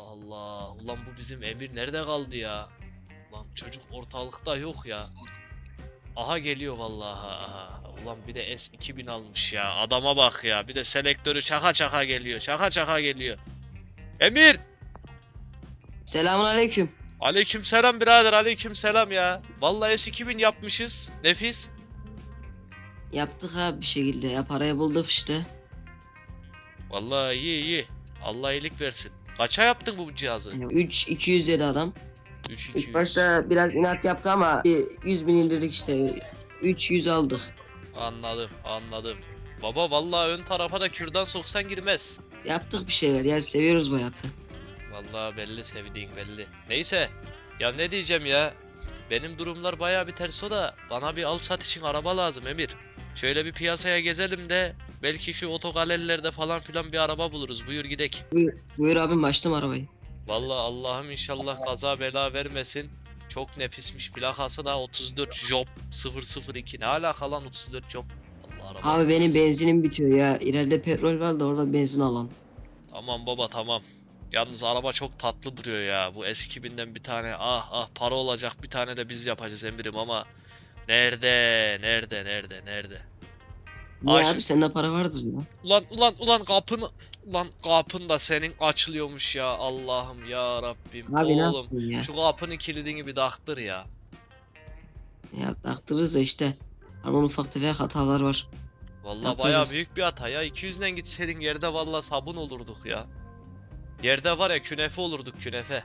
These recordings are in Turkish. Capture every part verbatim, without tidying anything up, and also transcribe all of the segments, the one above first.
Allah. Ulan bu bizim Emir nerede kaldı ya? Ulan çocuk ortalıkta yok ya. Aha geliyor vallahi. Aha. Ulan bir de S iki bin almış ya. Adama bak ya. Bir de selektörü çaka çaka geliyor. Çaka çaka geliyor. Emir! Selamünaleyküm. Aleykümselam birader. Aleykümselam ya. Vallahi S iki bin yapmışız. Nefis. Yaptık abi bir şekilde ya, parayı bulduk işte. Vallahi iyi iyi. Allah iyilik versin. Kaça yaptın bu cihazı? üç iki yüz dedi adam. üç iki yüz. İlk başta biraz inat yaptı ama bir yüz bin indirdik işte. üç yüz aldık. Anladım, anladım. Baba vallahi ön tarafa da kürdan soksan girmez. Yaptık bir şeyler ya, seviyoruz bu hayatı. Vallahi belli sevdiğin belli. Neyse. Ya ne diyeceğim ya? Benim durumlar bayağı bir ters o da bana bir al sat için araba lazım Emir. Şöyle bir piyasaya gezelim de belki şu otogallerilerde falan filan bir araba buluruz. Buyur gidek. Buyur, buyur abim, açtım arabayı. Vallahi Allah'ım inşallah kaza bela vermesin. Çok nefismiş. Plakası da otuz dört Job sıfır sıfır iki. Ne alaka lan otuz dört Job? Allah araba. Abi benim benzinim bitiyor ya. İleride petrol var da orada benzin alalım. Tamam baba tamam. Yalnız araba çok tatlı duruyor ya. Bu S iki binden bir tane ah ah para olacak bir tane de biz yapacağız Emir'im ama nerede nerede nerede nerede? Niye Aş- abi, sende para vardır ya. Ulan ulan ulan kapını ulan kapın da senin açılıyormuş ya Allah'ım ya Rabbim. Abi ne Oğlum yaptın ya? şu kapının kilidini bir taktır ya. Ya taktırırız da işte. Ama ufak tefek hatalar var. Vallahi Yaptırırız. bayağı büyük bir hata ya. iki yüzden gitseydin yerde vallahi sabun olurduk ya. Yerde var ya künefe olurduk künefe.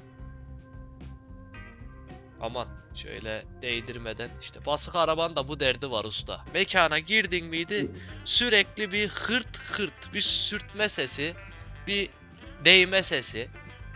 Aman şöyle değdirmeden işte basık araban da bu derdi var usta. Mekana girdin miydi sürekli bir hırt hırt bir sürtme sesi bir değme sesi.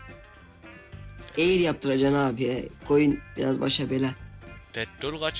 Eğir yaptıracaksın abi ya. Koyun biraz başa bela. Petrol kaç?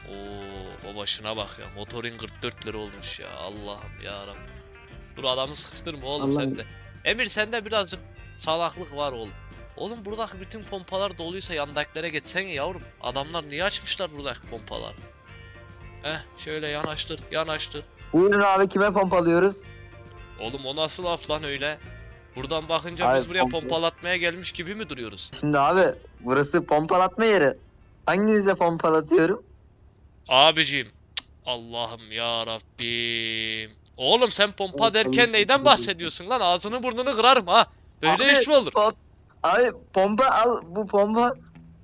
Oo baba şuna bak ya motorun kırk dört lira olmuş ya Allah'ım ya Rabbim. Dur adamı sıkıştırma oğlum Allah'ım. sen de. Emir sende birazcık salaklık var oğlum. Oğlum buradaki bütün pompalar doluysa yandakilere geçsene yavrum. Adamlar niye açmışlar buradaki pompaları? Heh şöyle yanaştır yanaştır. Buyurun abi, kime pompalıyoruz? Oğlum o nasıl laf lan öyle? Buradan bakınca Abi, biz buraya pompa- pompalatmaya gelmiş gibi mi duruyoruz? Şimdi abi burası pompalatma yeri. Hanginize pompalatıyorum? Abicim cık, Allah'ım ya Rabbim. Oğlum sen pompa Olsun, derken neyden olsun. bahsediyorsun lan? Ağzını burnunu kırarım ha. Böyle Abi, iş mi olur? pot- Abi pompa al, bu pompa.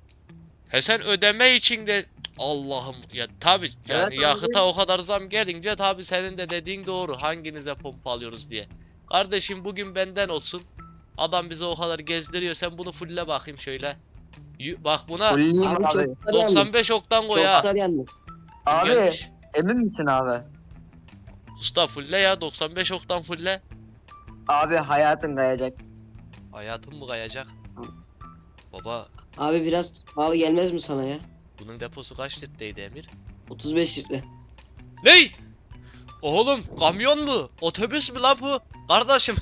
He sen ödeme için de Allah'ım ya tabi yani Evet abi. yakıta o kadar zam gelince tabi senin de dediğin doğru hanginize pompa alıyoruz diye. Kardeşim bugün benden olsun. Adam bizi o kadar gezdiriyor sen bunu fulle bakayım şöyle. Y- Bak buna Fulleyim Abi abi. çoklar yalnız. doksan beş oktan koy ha. Çoklar yalnız. Kim Abi gelmiş? emin misin abi? Usta fulle ya doksan beş oktan fulle. Abi hayatın kayacak. Hayatım mı kayacak? Baba Abi biraz pahalı gelmez mi sana ya? bunun deposu kaç litreydi Emir? otuz beş litre. Ney? Oğlum kamyon mu? Otobüs mü lan bu? Kardeşim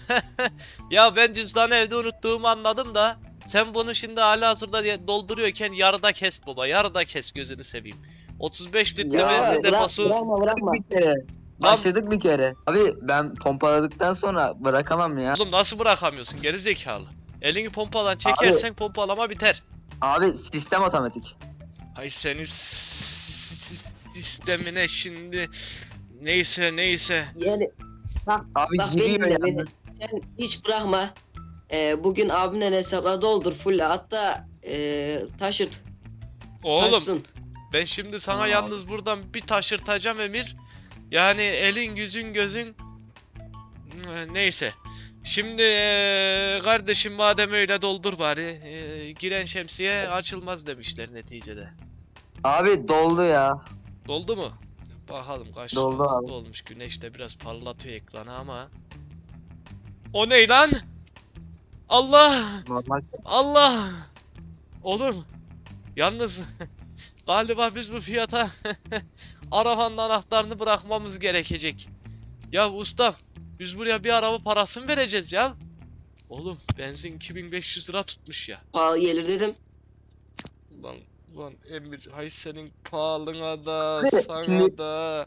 ya ben cüzdanı evde unuttuğumu anladım da sen bunu şimdi halihazırda diye dolduruyorken yarıda kes baba yarıda kes gözünü seveyim. otuz beş litre Ya, benzin bırak, deposu. bırakma bırakma. Bir kere. Başladık bir kere. Abi ben pompaladıktan sonra bırakamam ya. Oğlum nasıl bırakamıyorsun geri zekalı? Elini pompalan çekersen pompalama biter. Abi sistem otomatik. Ay senin s- s- sistemine şimdi neyse neyse. Yani bak, Abi bak giriyor benim de beni. yalnız. Sen hiç bırakma. Ee, bugün abimle hesapla doldur full, hatta ee, taşırt. Oğlum Taşsın. ben şimdi sana Tamam. yalnız buradan bir taşırtacağım Emir. Yani elin yüzün gözün Ee, neyse. Şimdi ee, kardeşim madem öyle doldur bari. Ee, giren şemsiye açılmaz demişler neticede. Abi doldu ya. Doldu mu? Bakalım kaç Doldu abi. dolmuş. Güneş de biraz parlatıyor ekranı ama. O ne lan? Allah! Normal. Allah! Oğlum yalnız galiba biz bu fiyata arabanın anahtarını bırakmamız gerekecek. Ya usta biz buraya bir araba parası mı vereceğiz ya? Oğlum benzin iki bin beş yüz lira tutmuş ya. Pahalı gelir dedim. Ulan ulan Emir hay senin pahalına da Abi, sana şimdi- da.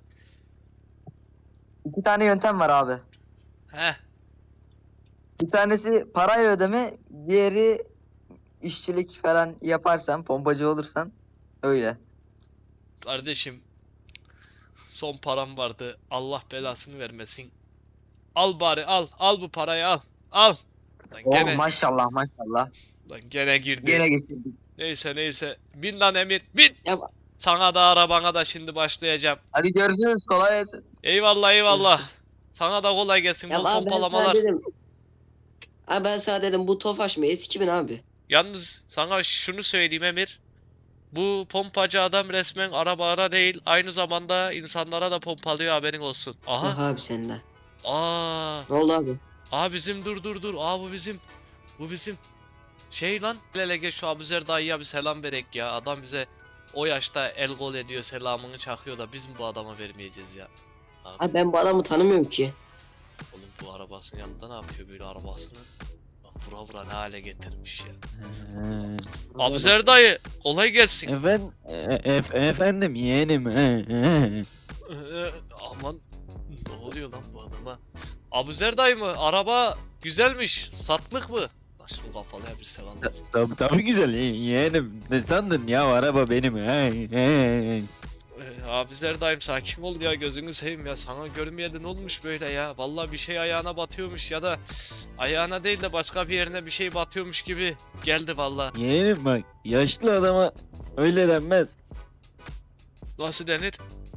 İki tane yöntem var abi. Heh Bir tanesi parayla ödeme, Diğeri işçilik falan yaparsan, pompacı olursan öyle. Kardeşim son param vardı. Allah belasını vermesin. Al bari al. Al bu parayı al. Al. Lan Oh gene maşallah maşallah. lan gene girdi. Gene geçirdik. Neyse neyse. Bin lan Emir. Bin. Ya Sana da arabana da şimdi başlayacağım. Hadi görüşürüz, kolay gelsin. Eyvallah eyvallah. görüşürüz. Sana da kolay gelsin Ya bu abi ben sana pompalamalar. dedim. Abi ben sana dedim bu Tofaş mı? Eski bin abi. Yalnız sana şunu söyleyeyim Emir. Bu pompacı adam resmen arabalara değil aynı zamanda insanlara da pompalıyor haberin olsun. Aha. Aha. abi sende. Aa. Ne oldu abi? Aa bizim dur dur dur. Aa bu bizim. Bu bizim. Şey lan. Hele gel şu Abuzer dayıya bir selam verek ya. Adam bize o yaşta el gol ediyor selamını çakıyor da biz mi bu adama vermeyeceğiz ya? Abi, Abi ben bu adamı tanımıyorum ki. oğlum bu arabasının yanında ne yapıyor böyle arabasını? Lan vura vura ne hale getirmiş ya. Abuzer dayı kolay gelsin. Efendim, efendim yeğenim. He, he. Ee, aman ne oluyor lan bu adama? Abuzer dayı mı? Araba güzelmiş. Satlık mı? Lan şunu kafalıya bir selam olsun. Tabii, tabii güzel ye- yeğenim. Ne sandın ya, araba benim. He, he. Ee, Abuzer dayım sakin ol ya gözünü seveyim ya. Sana görmeyeli ne olmuş böyle ya? Vallahi bir şey ayağına batıyormuş ya da ayağına değil de başka bir yerine bir şey batıyormuş gibi geldi vallahi. Yeğenim bak, yaşlı adama öyle denmez. Nasıl denir?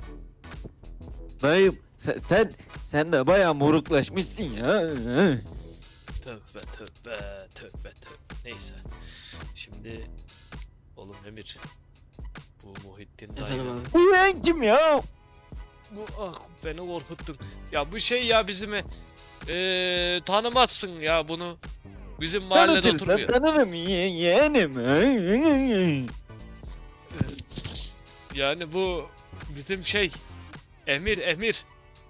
Dayım sen sen, sen de bayağı moruklaşmışsın ya. He. Tövbe tövbe tövbe tövbe. Neyse. Şimdi oğlum Emir. Bu Muhittin dayı. Efendim abi. Bu yeğen kim ya? Bu ah beni korkuttun. Ya bu şey ya bizim eee tanımazsın ya bunu. Bizim mahallede Tanıtırsan oturmuyor. tanırım ye- yeğenim. He, he, he. Yani bu bizim şey Emir Emir.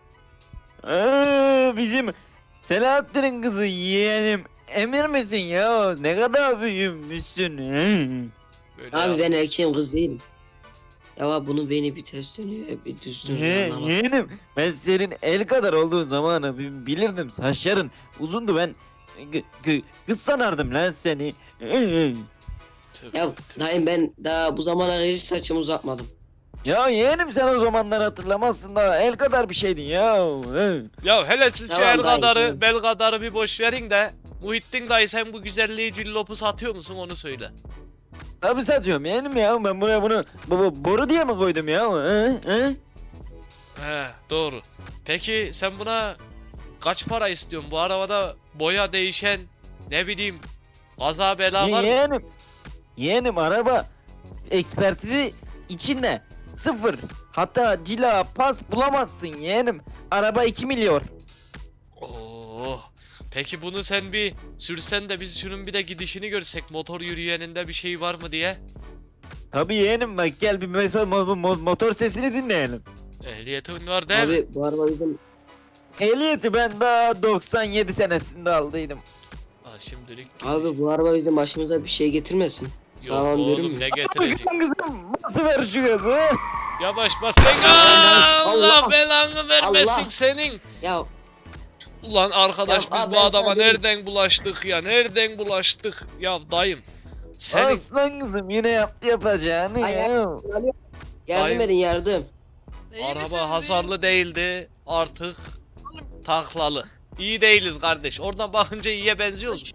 Aa, bizim Selahattin'in kızı yeğenim. Emir misin ya? Ne kadar büyümüşsün. He. Böyle Abi ya. ben erkeğim kız değilim. Ya abi bunun beyni bir ters dönüyor bir düz dönüyor Ye, anlamadım. yeğenim, ben senin el kadar olduğun zamanı bi- bilirdim. Saçların uzundu, ben g- g- kız sanardım lan seni. Ee, Tövbe, Ya tövbe. dayım ben daha bu zamana kadar hiç saçımı uzatmadım. Ya yeğenim, sen o zamanlar hatırlamazsın da el kadar bir şeydin ya. Ee. Ya hele siz şu Tamam el dayı, kadarı tamam. bel kadarı bir boş verin de Muhittin dayı sen bu güzelliği cillopu satıyor musun onu söyle. Tabii satıyorum yeğenim ya, ben buraya bunu bu, bu- boru diye mi koydum ya? Ee, ee? He doğru. Peki sen buna kaç para istiyorsun? Bu arabada boya değişen ne bileyim kaza bela Ye- var mı? yeğenim, yeğenim araba ekspertizi içinde sıfır. Hatta cila pas bulamazsın yeğenim. Araba iki milyon. Oo. Peki bunu sen bir sürsen de biz şunun bir de gidişini görsek motor yürüyeninde bir şey var mı diye. Tabii yeğenim, bak gel bir mesela mo- mo- motor sesini dinleyelim. Ehliyetin var değil mi? Abi bu araba bizim Ehliyeti ben daha doksan yedi senesinde aldıydım. Ha, şimdilik abi bu araba bizim başımıza bir şey getirmesin. Yok Sağlam oğlum görünmüyor. ne getirecek? Bakın kızım, nasıl ver şu gazı? Yavaş bas sen. Allah, Allah. belanı vermesin Allah. senin. Ya Ulan arkadaş Ya biz abi bu ben adama sana dedim. nereden bulaştık ya? Nereden bulaştık? Ya dayım. Senin Aslan kızım yine yaptı yapacağını Ay, ya. yardım Dayım. edin yardım. İyi misiniz, araba iyi? hasarlı değildi. Artık taklalı. İyi değiliz kardeş. Oradan bakınca iyiye benziyoruz.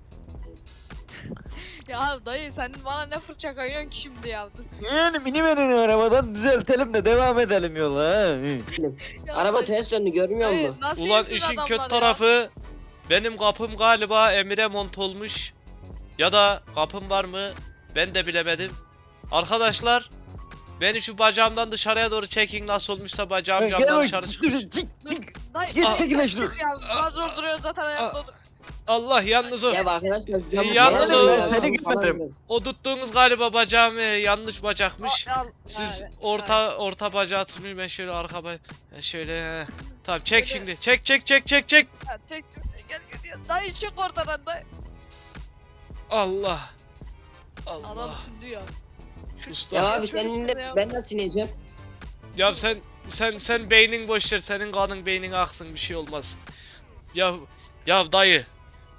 Ya dayı sen bana ne fırça kayıyorsun ki şimdi ya? Yani mini verin arabadan düzeltelim de devam edelim yola. ha. Ya Araba dayı- ters döndü görmüyor dayı, musun? nasıl Ulan iyisin işin adamlar kötü ya? tarafı benim kapım galiba Emir'e mont olmuş. Ya da kapım var mı? Ben de bilemedim. Arkadaşlar beni şu bacağımdan dışarıya doğru çekin nasıl olmuşsa bacağım Gel camdan bak, dışarı dur, çıkmış. çık, çık, Dayı, Çekil, dayı, çekil lan şunu. çık ya, daha zor duruyor zaten ayakta otur. Allah yalnız o. Ya arkadaşlar camı Yalnız falan o- ver, Seni camı falan görmedim. ver. O tuttuğunuz galiba bacağım e, yanlış bacakmış. Al, al, Siz evet, orta orta bacağı tutmayın ben şöyle arka ba- ben şöyle he. Tamam çek şimdi. Çek çek çek çek çek. evet. Çek, çek, gel gel gel. Dayı çık ortadan dayı. Allah. Adam Allah. şimdi ya. Şu- Usta. Ya Ya, abi senin de ben nasıl ineceğim? sen sen sen beynin boş ver. Senin kanın beynin aksın bir şey olmaz. Ya ya dayı.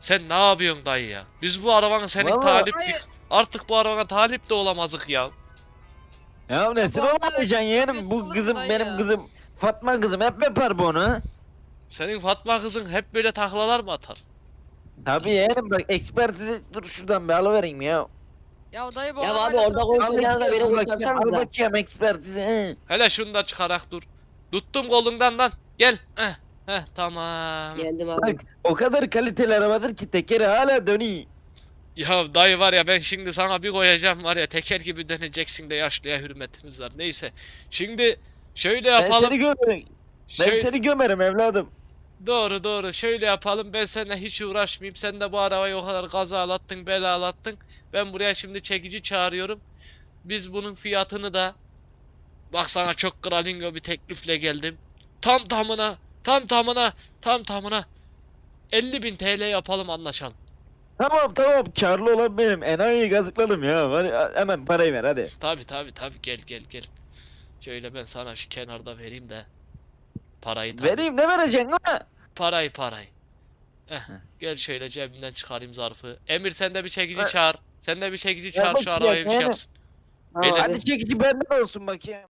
Sen ne yapıyorsun dayı ya? Biz bu arabanı senin Vallahi- taliptik. Dayı. Artık bu arabana talip de olamazık ya. Ya nesin bu olamayacaksın yeğenim? Bu yapıyorsunuz kızım dayı benim ya. kızım. Fatma kızım hep yapar bunu. Senin Fatma kızın hep böyle taklalar mı atar? Tabii yeğenim bak ekspertizi dur şuradan bir alıvereyim ya. Ya dayı bu Ya arabayla abi orada çok- konuşacağınız da beni Al bakayım, kurtarsanız Al da. bakayım ekspertizi. he. Hele şunu da çıkarak dur. Tuttum kolundan lan. Gel. Heh. Heh tamam. Geldim abi. Bak o kadar kaliteli arabadır ki tekeri hala dönüyor. Ya dayı var ya ben şimdi sana bir koyacağım var ya teker gibi döneceksin de yaşlıya hürmetimiz var. Neyse. Şimdi şöyle Ben yapalım. seni gömerim. Ben Şöyle- seni gömerim evladım. Doğru doğru şöyle yapalım ben seninle hiç uğraşmayayım sen de bu arabayı o kadar gazalattın belalattın ben buraya şimdi çekici çağırıyorum biz bunun fiyatını da bak sana çok kralingo bir teklifle geldim tam tamına tam tamına tam tamına elli bin T L yapalım anlaşalım. Tamam tamam karlı olan benim. Enayi'yi gazıkladım ya. Hadi hemen parayı ver hadi. Tabi tabi tabi gel gel gel şöyle ben sana şu kenarda vereyim de parayı tabii. Vereyim ne vereceksin ha? Parayı parayı. Eh, gel şöyle cebimden çıkarayım zarfı. Emir sen de bir çekici Ver. çağır. Sen de bir çekici Ver çağır şu bakayım, arabayı bir şey yani. yapsın. Tamam Beyler- abi. Hadi çekici benden olsun bakayım.